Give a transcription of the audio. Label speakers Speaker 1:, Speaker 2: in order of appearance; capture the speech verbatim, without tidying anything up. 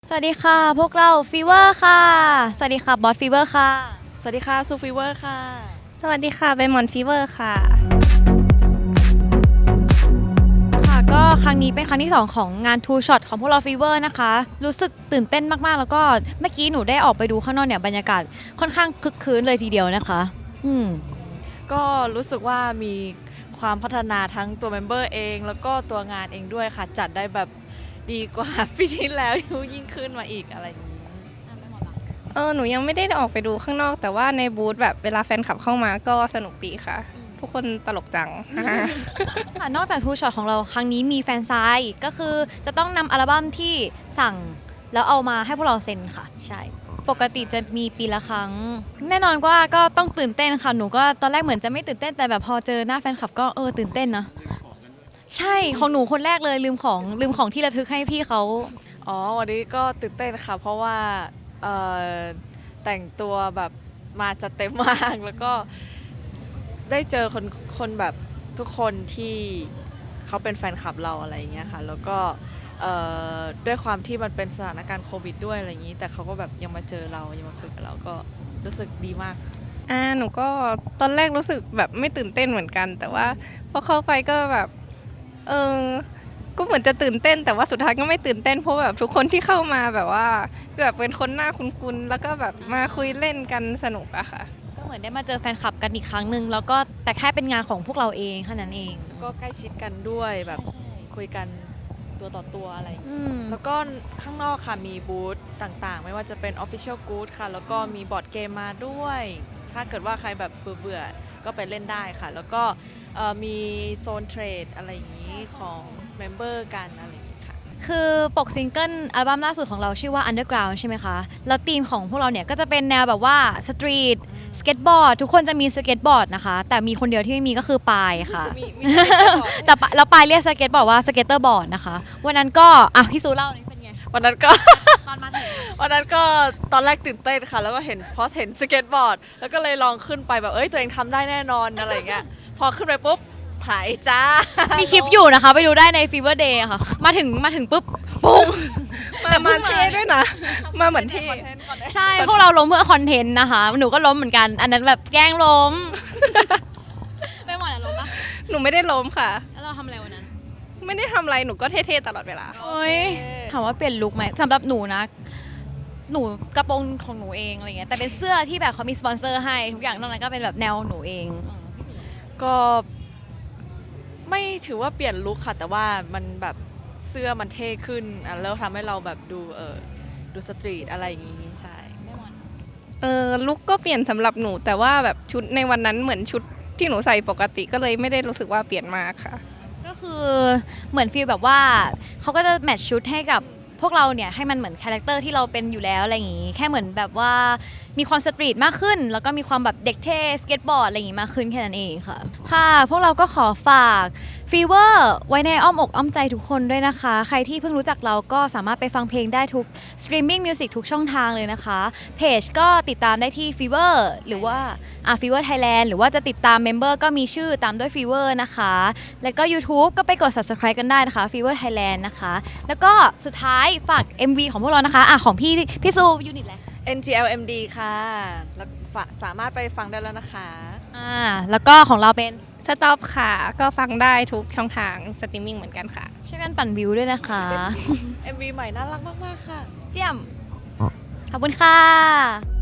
Speaker 1: สวัสดีค่ะพวกเราฟีเวอร์ค่ะสวัสดีค่ะบอสฟีเวอร์ค่ะ
Speaker 2: สวัสดีค่ะซูฟีเวอร์ค่ะ
Speaker 3: สวัสดีค่ะเบมอนฟีเวอร์ค่ะ
Speaker 1: ค่ะก็ครั้งนี้เป็นครั้งที่สองของงาน Two Shot ของพวกเราฟีเวอร์นะคะรู้สึกตื่นเต้นมากๆแล้วก็เมื่อกี้หนูได้ออกไปดูข้างนอกเนี่ยบรรยากาศค่อนข้างคึกคืนเลยทีเดียวนะคะอืม
Speaker 2: ก็รู้สึกว่ามีความพัฒนาทั้งตัวเมมเบอร์เองแล้วก็ตัวงานเองด้วยค่ะจัดได้แบบดีกว่า ปีที่แล้วยิ่งขึ้นมาอีกอะไรอย่างนี้
Speaker 3: เออหนูยังไม่ได้ออกไปดูข้างนอกแต่ว่าในบูธแบบเวลาแฟนคลับเข้ามาก็สนุกดีค่ะ ทุกคนตลกจัง
Speaker 1: ค่ะนอกจาก Two Shot ของเราครั้งนี้มีแฟนไซน์ก็คือจะต้องนำอัลบั้มที่สั่งแล้วเอามาให้พวกเราเซ็นค่ะใช่ปกติจะมีปีละครั้ง แน่นอนว่าก็ต้องตื่นเต้นค่ะหนูก็ตอนแรกเหมือนจะไม่ตื่นเต้นแต่แบบพอเจอหน้าแฟนคลับก็เออตื่นเต้นนะใช่ของหนูคนแรกเลยลืมของลืมของที่ระทึกให้พี่เขา
Speaker 2: อ๋อวันนี้ก็ตื่นเต้นค่ะเพราะว่าเอ่อแต่งตัวแบบมาจัดเต็มมากแล้วก็ได้เจอคนคนแบบทุกคนที่เขาเป็นแฟนคลับเราอะไรอย่างเงี้ยค่ะแล้วก็เอ่อด้วยความที่มันเป็นสถานการณ์โควิดด้วยอะไรอย่างนี้แต่เขาก็แบบยังมาเจอเรายังมาคุยกับเราก็รู้สึกดีมาก
Speaker 3: อ่าหนูก็ตอนแรกรู้สึกแบบไม่ตื่นเต้นเหมือนกัน แต่ว่าพอเข้าไปก็แบบเออก็เหมือนจะตื่นเต้น แต่ว่าสุดท้ายก็ไม่ตื่นเต้นเพราะแบบทุกคนที่เข้ามาแบบว่าแบบเป็นคนหน้าคุ้นๆแล้วก็แบบมาคุยเล่นกันสนุกอะค่ะ
Speaker 1: ก็เหมือนได้มาเจอแฟนคลับกันอีกครั้งหนึ่งแล้วก็แต่แค่เป็นงานของพวกเราเองแค่นั้นเอง
Speaker 2: ก็ใกล้ชิดกันด้วยแบบคุยกันตัวต่อตัวอะไรอย่างเงี้ย
Speaker 1: อืม
Speaker 2: แล้วก็ข้างนอกค่ะมีบูธต่างๆ ไม่ว่าจะเป็น Official Good ค่ะ แล้วก็มีบอร์ดเกมมาด้วย ถ้าเกิดว่าใครแบบเบื่อๆ ก็ไปเล่นได้ค่ะ แล้วก็เอ่อมีโซนเทรดอะไรอย่างนี้ของเมมเบอร์กันอะไรอย่างนี้ค่ะ
Speaker 1: คือปกซิงเกิลอัลบั้มล่าสุดของเราชื่อว่า Underground ใช่ไหมคะ แล้วธีมของพวกเราเนี่ยก็จะเป็นแนวแบบว่าสตรีทสเก็ตบอร์ดทุกคนจะมีสเก็ตบอร์ดนะคะ แต่มีคนเดียวที่ไม่มีก็คือปายค่ะ
Speaker 2: มีมีสเก็ตบอร์ด
Speaker 1: แต่ปะแล้วปายเรียกสเก็ตบอร์ดว่าสเก็ตเตอร์บอร์ดนะคะ วันนั้นก็อ่ะพี่ซูเล่านี่เป็นไง
Speaker 2: วันนั้นก็
Speaker 1: ตอนมาถึง
Speaker 2: วันนั้นก็ตอนแรกตื่นเต้นค่ะ แล้วก็เห็นพอเห็นสเก็ตบอร์ด แล้วก็เลยลองขึ้นไปแบบเอ้ยตัวเองทำได้แน่นอนอะไรอย่างเงี้ย พอขึ้นไปปุ๊บถ่ายจ้า
Speaker 1: มีคลิปอยู่นะคะ ไปดูได้ใน Fever Day ค่ะ มาถึงมาถึงปุ๊บปุ้ง
Speaker 3: มามาเท่ด้วยนะ มาเหมือนเท่
Speaker 1: ใช่ พวกเราล้มเพื่อคอนเทนต์นะคะ หนูก็ล้มเหมือนกัน อันนั้นแบบแกล้งล้ม ไม่หมดอะล้มปะ
Speaker 3: หนูไม่ได้ล้มค่ะ
Speaker 1: แล้วเราทำอะไรวันนั้น
Speaker 3: ไม่ได้ทำอะไรหนูก็เท่ๆตลอดเวลา
Speaker 1: โอ้ยถามว่าเปลี่ยนลุคไหมสำหรับหนูนะ หนูกระโปรงของหนูเองอะไรเงี้ย แต่เป็นเสื้อที่แบบเขามีสปอนเซอร์ให้ ทุกอย่างนอกนั้นก็เป็นแบบแนวหนูเอง
Speaker 2: ก็ไม่ถือว่าเปลี่ยนลุคค่ะ แต่ว่ามันแบบเสื้อมันเท่ขึ้นอ่ะแล้วทำให้เราแบบดูเออดูสตรีทอะไรอย่างงี้ใช่
Speaker 3: เออลุกก็เปลี่ยนสำหรับหนู แต่ว่าแบบชุดในวันนั้นเหมือนชุดที่หนูใส่ปกติก็เลยไม่ได้รู้สึกว่าเปลี่ยนมากค่ะ
Speaker 1: ก็คือเหมือนฟีลแบบว่าเขาก็จะแมทช์ชุดให้กับพวกเราเนี่ยให้มันเหมือนคาแรคเตอร์ที่เราเป็นอยู่แล้วอะไรอย่างงี้ แค่เหมือนแบบว่ามีความสตรีทมากขึ้น แล้วก็มีความแบบเด็กเท่สเก็ตบอร์ดอะไรอย่างงี้มากขึ้นแค่นั้นเองค่ะ ค่ะ พวกเราก็ขอฝากฟีเวอร์ไว้ในอ้อมอกอ้อมใจทุกคนด้วยนะคะ ใครที่เพิ่งรู้จักเราก็สามารถไปฟังเพลงได้ทุกสตรีมมิ่งมิวสิกทุกช่องทางเลยนะคะเพจก็ติดตามได้ที่ฟีเวอร์หรือว่าอ่ะฟีเวอร์ไทยแลนด์หรือว่าจะติดตามเมมเบอร์ก็มีชื่อตามด้วยฟีเวอร์นะคะ แล้วก็ YouTube ก็ไปกด Subscribe กันได้นะคะ Fever Thailand นะคะ แล้วก็สุดท้ายฝาก เอ็ม วี ของพวกเรานะคะอ่ะของพี่พี่ซูยูนิตแหละ
Speaker 2: เอ็น จี แอล เอ็ม ดี ค่ะแล้วฝาสามารถไปฟังได้แล้วนะคะ
Speaker 1: อ่าแล้วก็ของเราเป็น
Speaker 3: สต็อปค่ะ ก็ฟังได้ทุกช่องทางสตรีมมิ่งเหมือนกันค่ะ
Speaker 1: ช่วยกันปั่นวิวด้วยนะคะ
Speaker 2: เอ็ม วี ใหม่น่ารักมากๆค่ะ
Speaker 1: เจียม ขอบคุณค่ะ